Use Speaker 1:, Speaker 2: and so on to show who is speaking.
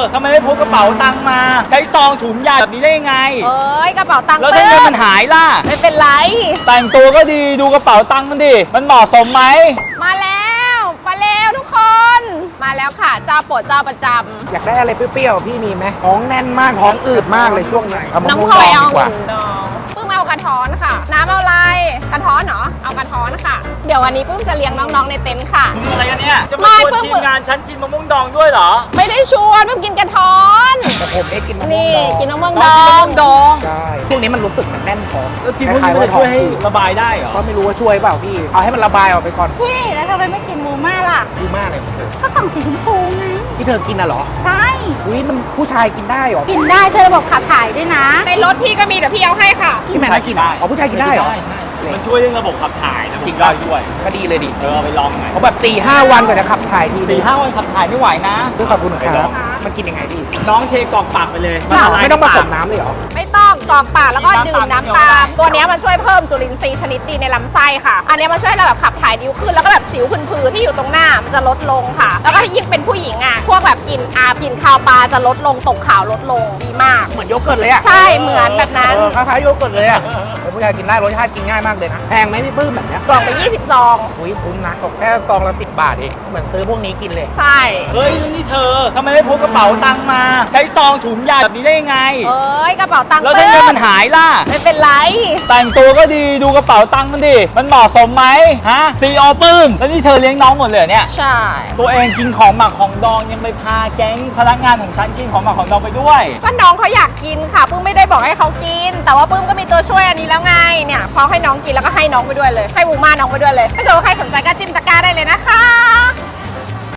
Speaker 1: ทำไมไม่พกกระเป๋าตังค์มาใช้ซองถุงใหญ่แบบนี้ได้ยังไง
Speaker 2: เอ้ยกระเป๋าตังค์
Speaker 1: แล้วถ้าเงินมันหายล่ะ
Speaker 2: ไม่เป็นไร
Speaker 1: แต่งตัวก็ดีดูกระเป๋าตังค์มันดิมันเหมาะสมไหม
Speaker 2: มาแล้วทุกคน มาแล้วค่ะเจ้าโปรดเจ้าประจำ
Speaker 3: อยากได้อะไรเปรี้ยวๆพี่มีไหมท้องแน่นมากท้องอืดมากเลยช่วงนี้เอามะ
Speaker 2: น้ำ
Speaker 3: ม่วง
Speaker 2: พล
Speaker 3: ด
Speaker 2: อ
Speaker 3: อย ง
Speaker 2: เอา
Speaker 3: ดีกว่า
Speaker 2: หุ่นดองปื้มเอากระท้อนค่ะน้ำเอาอะไรกระท้อนเหรอเอากระท้อนค่ะเดี๋ยววันนี้ปื้มจะเลี้ยงน้องๆในเต็นท์ค่ะ
Speaker 1: อะไรกันเนี่ยจะมาชวนทีมงานฉันกินมะม่วงดองด้วยเหรอ
Speaker 2: ไม่ได้ชวนปื้มกินกระท้อน
Speaker 3: แต่ผมได้กินมะม่วง
Speaker 2: นี่
Speaker 3: ดอง
Speaker 2: กินมะม่วง
Speaker 1: น้
Speaker 2: ด
Speaker 1: องกิน
Speaker 2: อ
Speaker 1: มะม่
Speaker 2: ง
Speaker 1: วงดอง
Speaker 3: ใช่ช่วงนี้มันรู้สึกแน่นท้อง
Speaker 1: แล้วกินพวกนี้มันจะช่วยให้ระบายได้เหรอ
Speaker 3: ก็ไม่รู้ว่าช่วยเปล่าพี่เอาให้มันระบายออกไปก่อน
Speaker 2: พี่แล้วทำไมไม่กินมูม่าล่ะ
Speaker 3: ดีมากเลย
Speaker 2: ก็กล่องสีชมพูไง
Speaker 3: ที่เธอกินน่ะเหรอ
Speaker 2: ใช่
Speaker 3: อุ้ยมันผู้ชายกินได้เหรอ
Speaker 2: กินได้ช่วยระบบขับถ่ายด้วยนะในรถพี่ก็มีเดี๋ยวพี่เอาให้ค่ะ
Speaker 3: พี่แม่น่ากินอ๋อผู้ชายกินได้เหรอ
Speaker 1: มันช่วยเรื่องระบบขับถ่ายนะจริงได้ด้วย
Speaker 3: ก็ดีเลยดิ
Speaker 1: เอาไปลองหน่อย
Speaker 3: เขาแบบ4-5 วันกว่าจะขับถ่ายที
Speaker 1: 4-5 วันขับถ่ายไม่ไหวนะ
Speaker 3: ด้วยขอบคุณครับมันกินยังไงพี่
Speaker 1: น้องเทกรอกปากไปเลย
Speaker 3: ไม่ต้องผสมน้ำเลยเหรอ
Speaker 2: ไม่ต้องกรอกปากแล้วก็ดื่มน้ำตามตัวนี้มันช่วยเพิ่มจุลินทรีย์ชนิดดีในลำไส้ค่ะ อันนี้มันช่วยเราแบบขับถ่ายดีขึ้นแล้วก็แบบสิวผื่นๆที่อยู่ตรงหน้ามันจะลดลงค่ะ แล้วก็ยิ่งเป็นผู้หญิงอ่ะพวกแบบกินกินข้าวปลาจะลดลงตกขาวลดลงดีมาก
Speaker 3: เหมือนโยเกิร์ตเลยอ่ะ
Speaker 2: ใช่เหมือนแบบนั้น
Speaker 3: คล้ายๆโยเกิร์ตเลยอ่ะเป็นผู้ชายกินได้รสชาติกินง่ายมากเลยนะแพงไหมพี่ปื้มแบบเนี้ย
Speaker 2: กล่องไป20 ซอง
Speaker 3: อุ้ยคุ้มนะตกแค่ซองละ10 บาทเองเหมือนซื้อพวกนี้กินเลย
Speaker 2: ใช่
Speaker 1: เฮ้ยนี่เธอทำไมไม่พกกระเป๋าตังค์มาใช้ซองถุงใหญ่แบบนี้ได้ยังไง
Speaker 2: เอ้ยกระเป๋าตังค์
Speaker 1: แล้วถ้าเงินมันหายล่ะ
Speaker 2: ไม่เป็นไร
Speaker 1: แต่งตัวก็ดีดูกระเป๋าตังค์มันดิมันเหมาะสมไหมฮะซีอปื้มแล้วนี่เธอเลี้ยงน้องหมดเลยเนี่ย
Speaker 2: ใช่
Speaker 1: ตัวเองกินของหมักของดองยังไปพาแก๊งพนักงานของฉันกินของหมักของดองไปด้วย
Speaker 2: ก็น้องเขาอยากกินค่ะปื้มไม่ได้บอกให้เขากิน แต่ว่าปื้มก็มีตัวช่วยอันนี้แล้วไงเนี่ยพอให้น้องกินแล้วก็ให้น้องไปด้วยเลยให้มูม่าน้องไปด้วยเลยถ้าเกิดว่าใครสนใจก็จิ้มตะกร้าได้เลยนะคะ